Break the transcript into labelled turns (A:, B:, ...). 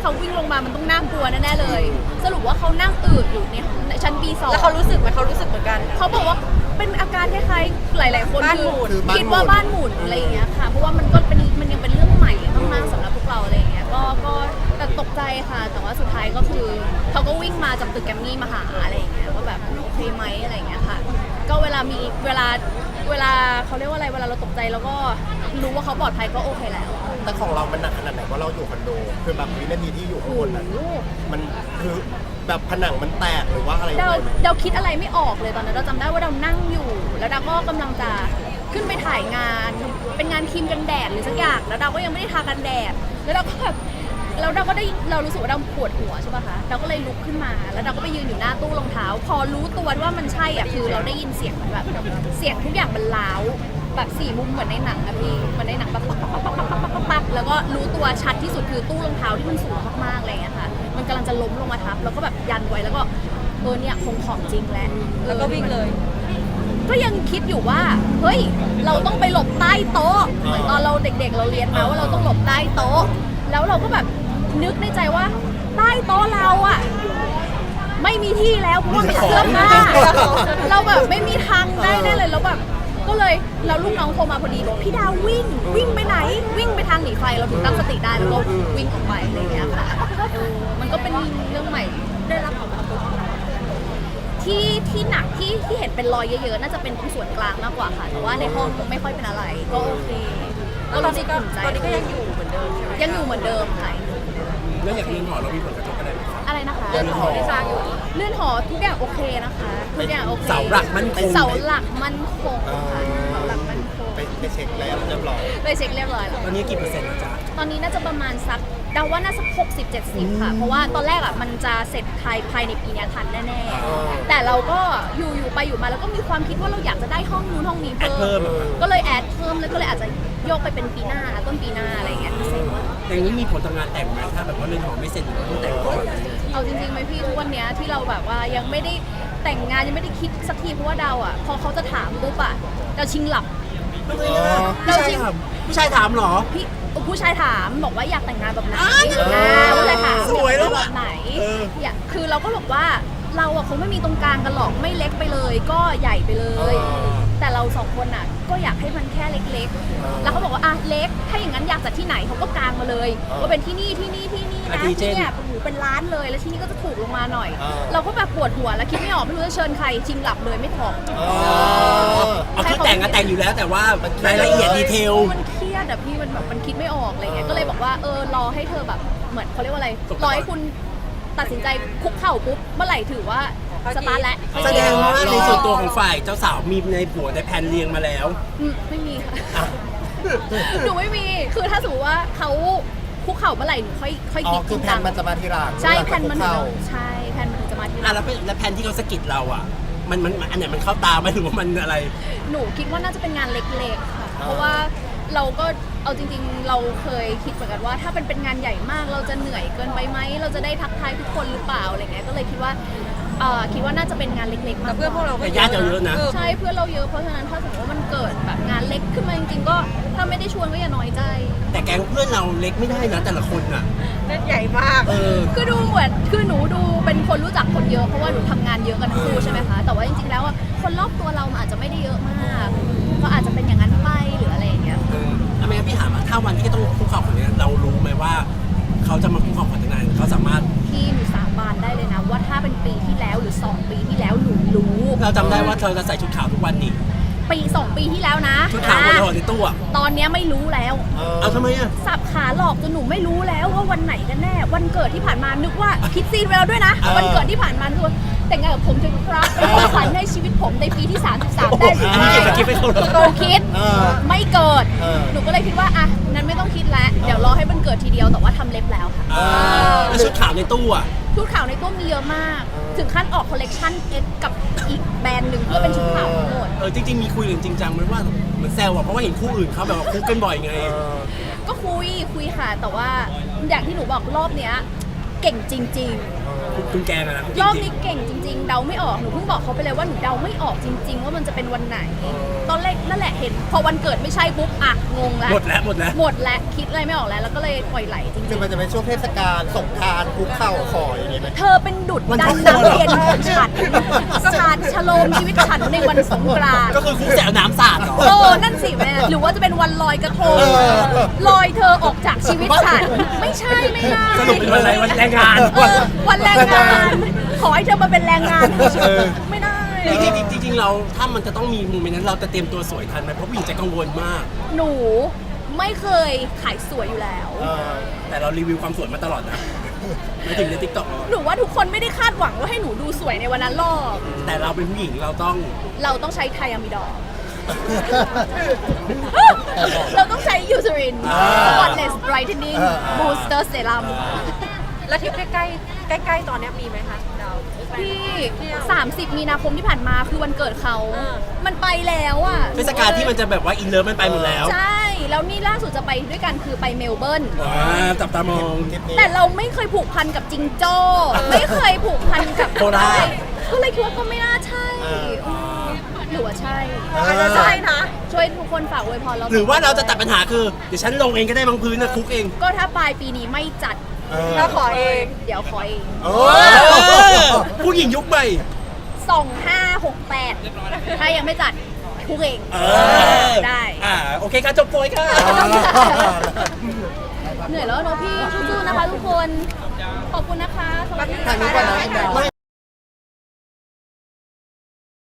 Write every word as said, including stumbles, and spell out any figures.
A: เขาวิ่งลงมามันต้องน่ากลัวแน่ๆเลยสรุปว่าเขานั่งอืดอยู่ในชั้น บี สอง
B: แล้วเขารู้สึกไหมเขารู้สึกเหมือนกัน
A: เขาบอกว่าเป็นอาการคล้ายๆหลายๆคน
B: บ้านหมุน
A: คือคิดว่าบ้านหมุนอะไรอย่างเงี้ยค่ะเพราะว่ามันก็เป็นมันยังเป็นเรื่องใหม่มากๆสำหรับพวกเราอะไรอย่างเงี้ยก็ก็แต่ตกใจค่ะแต่ว่าสุดท้ายก็คือเขาก็วิ่งมาจากตึกแกรมมี่มาหาอะไรอย่างเงี้ยว่าแบบโอเคไหมอะไรอย่างเงี้ยค่ะก็เวลามีเวลาเวลาเขาเรียกว่าอะไรเวลาเราตกใจแล้วก็รู้ว่าเขาปลอดภัยก็โอเคแล้ว
C: แต่ของเรามันหนักขนาดไหนว่าเราอยู่คอนโดคือแบบวินาทีที่อยู่ข้างบนนั้นมันคือแบบผนังมันแตกหรือว่าอะไร
A: เราเราคิดอะไรไม่ออกเลยตอนนั้นเราจำได้ว่าเรานั่งอยู่แล้วดาก็กำลังจะขึ้นไปถ่ายงานเป็นงานครีมกันแดดหรือสักอย่างแล้วดาก็ยังไม่ได้ทากันแดดแล้วเราก็แบบแล้วเราก็ได้เรารู้สึกว่าเราปวดหัวใช่ป่ะคะเราก็เลยลุกขึ้นมาแล้วเราก็ไปยืนอยู่หน้าตู้รองเท้าพอรู้ตัวว่ามันใช่อ่ะคือเราได้ยินเสียงแบบเสียงทุกอย่างมันล้าวแบบสี่มุมเหมือนในหนังนะพี่เหมือนในหนังปักปักปักปักปักปักปักปักปักแล้วก็รู้ตัวชัดที่สุดคือตู้รองเท้าที่มันสูงมากๆอะไรอย่างเงี้ยค่ะมันกำลังจะล้มลงมาทับแล้วก็แบบยันไว้แล้วก็เออเนี่ยคงของจริงแล้ว
B: แล้วก็วิ่งเลย
A: ก็ยังคิดอยู่ว่าเฮ้ยเราต้องไปหลบใต้โต๊ะเหมือนตอนเราเด็กๆเราเรียนมาว่าเราต้องหลบใต้โต๊ะแล้วเราก็แบบนึกในใจว่าใต้โต๊ะเราอะไม่มีที่แล้วเพราะว่ามีเสื้อผ้าเราแบบไม่มีทางได้แน่เลยแล้วแบบก็เลยเราลูกน้องโทรมาพอดีบอกพี่ดาววิ่งวิ่งไปไหนวิ่งไปทางหนีไฟเราถึงตั้งสติได้แล้วก็วิ่งออกไปอะไรอย่างเงี้ยค่ะมันก็เป็นเรื่องใหม่ได้รับผลกระทบที่ที่หนักที่ที่เห็นเป็นรอยเยอะๆน่าจะเป็นตรงส่วนกลางมากกว่าค่ะแต่ว่าในห้องไม่ค่อยเป็นอะไรก็โอเค
B: แล้วตอนนี้ก็ตอนนี้ก็ยังอยู่เหมือนเดิมใช่ไหม
A: ยังอยู่เหมือนเดิมค่ะ
D: แล้วอย่างเรือนหอเรามีผลกระทบอะไรไหม
A: อะไรนะคะ
B: เรือนหอที่สร้างอยู่
A: เรือนหอทุกอย่างโอเคนะคะทุกอย่างโอเค
D: เสาหลักมั่นคง
A: เสาหลักมั่นคงค่ะเสาหลักมั่นคง
C: ไปไปเช็คแล้วเรียบร้อย
A: ไปเช็คเรียบร้อยแล้ว
D: ตอนนี้กี่เปอร์เซ็นต์นะจ๊ะ
A: ตอนนี้น่าจะประมาณสักเดาว่าน่าสักหกสิบ เจ็ดสิบค่ะเพราะว่าตอนแรกอ่ะมันจะเสร็จภายภายในปีนี้ทันแน่ๆแต่เราก็อยู่อยู่ไปอยู่มาแล้วก็มีความคิดว่าเราอยากจะได้ห้องนู้นห้องนี้เพิ่มก็เลยแอดเพิ่มแล้วก็เลยอาจจะโยกไปเป็นปีหน้าต้นปีหน้าอะไรอย่างเงี้ยเสร็จ
D: แต่นี้มีผลต่องานแต่งไหมถ้าแบบว่าเรือนหอไม่เสร็จหรือว่าต้องแต่งก่อน
A: เอาจริงๆไหมพี่ทุกวันนี้ที่เราแบบว่ายังไม่ได้แต่งงานยังไม่ได้คิดสักทีเพราะว่าดาวอ่ะพอเขาจะถามปุ๊บอ่ะเราชิงหลับ
D: เราชิงผู้ชายถามหรอ
A: พี่ผู้ชายถามบอกว่าอยากแต่งงานแบบไหนผู้ชายถาม
D: สวยแล้ว
A: แบบไหนอยากคือเราก็บอกว่าเราอ่ะคงไม่มีตรงกลางกันหรอกไม่เล็กไปเลยก็ใหญ่ไปเลยแต่เราสองคนอ่ะก็อยากให้มันแค่เล็กๆแล้วเขาบอกว่าอ่ะเล็กถ้าอย่างนั้นอยากจัดที่ไหนเขาก็กางมาเลยว่าเป็นที่นี่ที่นี่ที่นี่นะที่เนี่ยโอ้โหเป็นร้านเลยแล้วที่นี่ก็จะถูกลงมาหน่อยเราก็แบบปวดหัวแล้วคิดไม่ออกไม่รู้จะเชิญใครชิงหลับเลยไม่ถอด
D: เอาคือแต่งก็แต่งอยู่แล้วแต่ว่ารายละเอียดดีเทล
A: มันเครียดอะพี่มันแบบมันคิดไม่ออกอะไรเงี้ยก็เลยบอกว่าเออรอให้เธอแบบเหมือนเขาเรียกว่าอะไรรอให้คุณตัดสินใจคุกเข่าปุ๊บเมื่อไหร่ถือว่าสตาร์ทแล้ว
D: แสดงว่าในส่วนตัวของฝ่ายเจ้าสาวมีในผัวในแผนเรียงมาแล้ว
A: ไม่มีค่ะหนูไม่มีคือถ้าสมมติว่าเขาคุกเข่าเมื่อไหร่หนูค่อยค่อยคิด
C: คือแผนมันจะมาทีหลัง
A: ใช่แผนมันใช่แผนมันจะมาทีหลัง
D: แล้วแล้วแผนที่เขาสะกิดเราอ่ะมันมันอันไหนมันเข้าตาไหมหรือว่ามันอะไร
A: หนูคิดว่าน่าจะเป็นงานเล็กๆค่ะเพราะว่าเราก็เอาจริงๆเราเคยคิดเหมือนกันว่าถ้าเป็นเป็นงานใหญ่มากเราจะเหนื่อยเกินไปไหมเราจะได้ทักทายทุกคนหรือเปล่าอะไรเงี้ยก็เลยคิดว่าคิดว่าน่าจะเป็นงานเล็กๆมาก
B: เพื่อนพวกเรา
D: ก็ญาติเราเยอะนะ
A: ใช่เพื่อนเราเยอะเพราะฉะนั้นถ้าสมมติว่ามันเกิดแบบงานเล็กขึ้นมาจริงๆก็ถ้าไม่ได้ชวนก็อย่าน้อยใจ
D: แต่แก๊งเพื่อนเราเล็กไม่ได้นะแต่ละคนอ่ะ
B: เล่นใหญ่มาก
A: คือดูเหมือนคือหนูดูเป็นคนรู้จักคนเยอะเพราะว่าหนูทำงานเยอะกันทั้งคู่ใช่ไหมคะแต่ว่าจริงๆแล้วคนรอบตัวเราอาจจะไม่ได้เยอะมากก็อาจจะเป็นอย่างนั้นไปหรืออะไรอย่างเงี้ย
D: ทำไมพี่ถามว่าถ้าวันที่ต้องคุกเข่าคนนี้เรารู้ไหมว่าเขาจะมาคุกเข่าขอแต่งงานเขาสามารถ
A: พี่หนูสาบานได้เลยนะว่าถ้าเป็นปีที่แล้วหรือสองปีที่แล้วหนูรู้
D: เราจำได้ว่าเธอจะใส่ชุดขาวทุกวันนี่
A: ปีสองปีที่แล้วนะ
D: ชุดขาวบนหอในตู้อะ
A: ตอนนี้ไม่รู้แล้ว
D: เอาทำไมอะ
A: สับขาหลอกจนหนูไม่รู้แล้วว่าวันไหนกันแน่วันเกิดที่ผ่านมานึกว่าคิดซีนไว้แล้วด้วยนะวันเกิดที่ผ่านมาคือแต่งงานกับผมจะครับเป็นความฝันในชีวิตผมในปีที่สามสิบสามได้หรือไม่
D: คิดไม่ถูก
A: หนูคิดไม่เกิดหนูก็เลยคิดว่าอ่ะนั้นไม่ต้องคิดแล้วเดี๋ยวรอให้มันเกิดทีเดียวแต่ว่าทำเล็บแล้วค่ะ
D: แล้วชุดขาวในตู้อะ
A: ชุดขาวในตู้มีเยอะมากถึงขั้นออกคอลเลกชัน X กับอีกแบรนด์หนึ่งเพื่อเป็นชุดขาวทั้งหมด
D: เออจริงๆมีคุยกันจริงจังไหมว่าเหมือนแซวอะเพราะว่าเห็นคู่อื่นเขาแบบว่าคุกกันบ่อยไง
A: ก็คุยคุยค่ะแต่ว่าอย่างที่หนูบอกรอบเนี้ยเก่งจริง
D: คุณคุณแกงอะนะ
A: ๆ รอบนี้เก่งจริง ๆ เดาไม่ออก หนูเพิ่งบอกเขาไปเลยว่าหนูเดาไม่ออกจริง ๆ ว่ามันจะเป็นวันไหน ตอนแรกนั่นแหละเห็น พอวันเกิดไม่ใช่ปุ๊บอ่ะงงแล้ว
D: หมดแล้วหมดแล้ว
A: หมดแล้วคิดอะไรไม่ออกแล้ว แล้วก็เลยปล่อยไหลจริง
C: คือมันจะเป็นช่วงเทศกาลสงกรานต์คุกเข่าขออย่างนี้ไหม
A: ๆ เธอเป็นดุจ
C: มัน
A: ดั
C: ต้
A: น
C: อง
A: นักเรียนของฉันสาดฉโลมชีวิตฉันในวันสงกรานต์
D: ก็คือคุกแสวน้ำสาดเหรอ
A: โอ้นั่นสิแม่หรือว่าจะเป็นวันลอยกระทง
C: เออ
A: ลอยเธอออกจากชีวิตฉัน ไม่ใช่ไม่ได้
D: สรุปเป็นวันอะไรวันแรงงาน
A: เออวันแรงงาน ขอให้เธอมาเป็นแรงงาน
C: เออ
A: ไม่ได้
D: จริงๆจริงๆเราถ้ามันจะต้องมีโมเมนต์นั้นเราจะเตรียมตัวสวยทันไหมเพราะผู้หญิงจะกังวลมาก
A: หนูไม่เคยขายสวยอยู่แล้ว
C: เออ
D: แต่เรารีวิวความสวยมาตลอดนะไม่ถึงในทิกตอก
A: หนูว่าทุกคนไม่ได้คาดหวังว่าให้หนูดูสวยในวันนั้นหรอก
D: แต่เราเป็นผู้หญิงเราต้อง
A: เราต้องใช้ไทอะมิดอล เราต้องใช้ยูซริน
C: อ่า
A: Spotless Brightening
C: อ่า
A: Booster Serum
B: แล้วทริปใกล้ๆใกล้ๆตอนเนี้ยมีไหมคะดาว
A: ที่สามสิบมีนาคมที่ผ่านมาคือวันเกิดเขา
B: อ่า
A: มันไปแล้วอ่ะ
D: เทศกาลที่มันจะแบบว่าอินเลิฟมันไปหมดแล้ว
A: ใช่ แล้วนี่ล่าสุดจะไปด้วยกันคือไปเมลเบิร์น
D: อ่าจับตามอง
C: ทริปนี้
A: แต่เราไม่เคยผูกพันกับจิงโจ้ ไม่เคยผูกพันกับ
D: โคราช
A: ก็เลยคิดว่าก็ไม่น่าใช่
C: เออ
A: อืมหรือว่าใช่
B: อาจจะใช่นะ
A: ช่วยทุกคนฝากอวยพรเรา
D: หรือว่าเราจะตัดปัญหาคือเดี๋ยวฉันลงเองก็ได้บางพื้นนะคุกเอง
A: ก็ถ้าปลายปีนี้ไม่จัด
C: เออ
B: เราขอเอง
A: เดี๋ยวขอเอง
C: โอ้
D: เออผู้หญิงยุคใหม่
A: สองห้าหกแปดถ้ายังไม่จัดทุกเอง
D: เออ
A: ได้
D: อ่าโอเคค่ะจบโปรยค่ะ
A: เหนื่อยแล้วเนอะพี่สู้ๆนะคะทุกคน ขอบคุณนะคะ สวัสดี
C: ทางนี้ก่อนนะ
A: ค่ะ